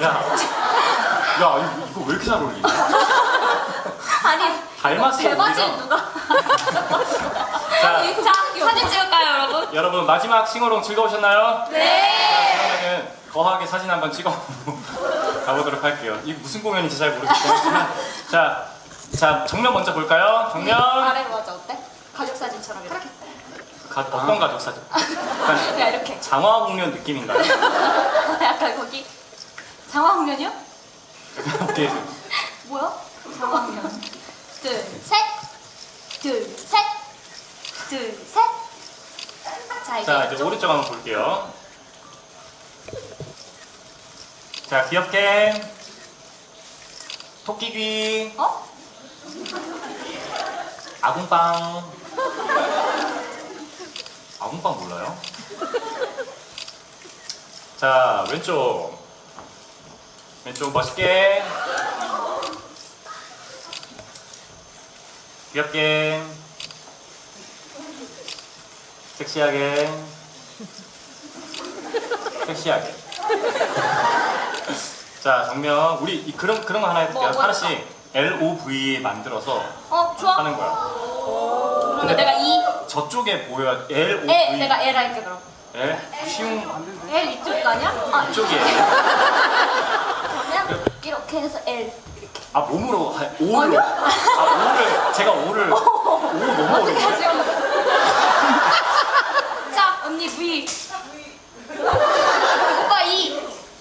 이거 왜 이렇게 잘 어울리냐? 아니 닮았어, 대바지 우리가. 누가? 자, 자 사진 찍을까요 여러분? 여러분 마지막 싱어롱 즐거우셨나요? 네. 그러면은 거하게 사진 한번 찍어 가보도록 할게요. 이게 무슨 공연인지 잘 모르겠지만 자 정면 먼저 볼까요? 정면. 아래로 하자 어때? 가족 사진처럼 이렇게. 어떤 가족 사진? 약간 야 이렇게. 장화 공연 느낌인가요? 약간 거기 장화홍련이요? 어떻게 뭐야? 장화홍련. 둘, 셋. 둘, 셋. 둘, 셋. 자 이제 오른쪽 한번 볼게요. 자 귀엽게 토끼귀 어? 아궁빵 몰라요? 자 왼쪽 멋있게 귀엽게 섹시하게 자 정면 우리 그런 거 하나 해볼게요. 뭐 하나씩 LOV 만들어서 좋아. 하는 거야. 그러면 내가 E. 저쪽에 보여야 LOV L 내가 L 할게 그럼. L 쉬운 L 이쪽 아니야? 아 이쪽이에요. 그러면 이렇게 해서 L. 아 몸으로 O를 O를 제가 O를 O 너무 어떻게 어려운데. 하죠? 자 언니 V. 오빠 E.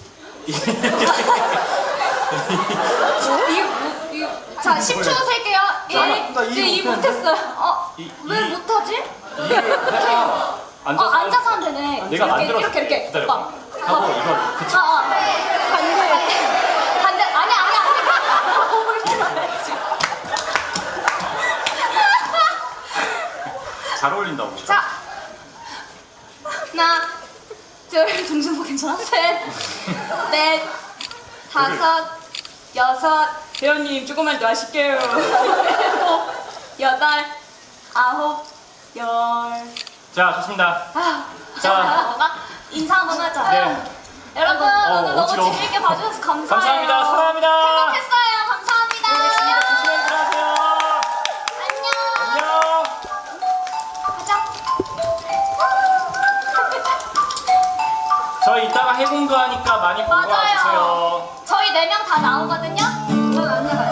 자 10초 셀게요. 나 1. 이 못했어요. 왜 못하지? 해야 앉아서 하면 되네. 내가 만들어 이렇게. 기다려. 오빠. 하고 이걸 그치. 반대. 아니야. 이렇게 말했지. 잘 어울린다고. 자. 하나, 둘, 동준보 괜찮아? 셋, 넷, 다섯, 여섯. 배우님 조금만 더 하실게요. 일곱, 여덟, 아홉, 열. 자 좋습니다. 자, 인사 한번 하자. 네. 여러분 오늘 너무 어지러워. 재밌게 봐주셔서 감사해요. 감사합니다. 사랑합니다. 행복했어요. 감사합니다. 조심히 들어가세요. 안녕. 안녕. 가자. 저희 이따가 해공도 하니까 많이 보러 맞아요. 와주세요. 저희 4명 다 나오거든요. 넌 언니가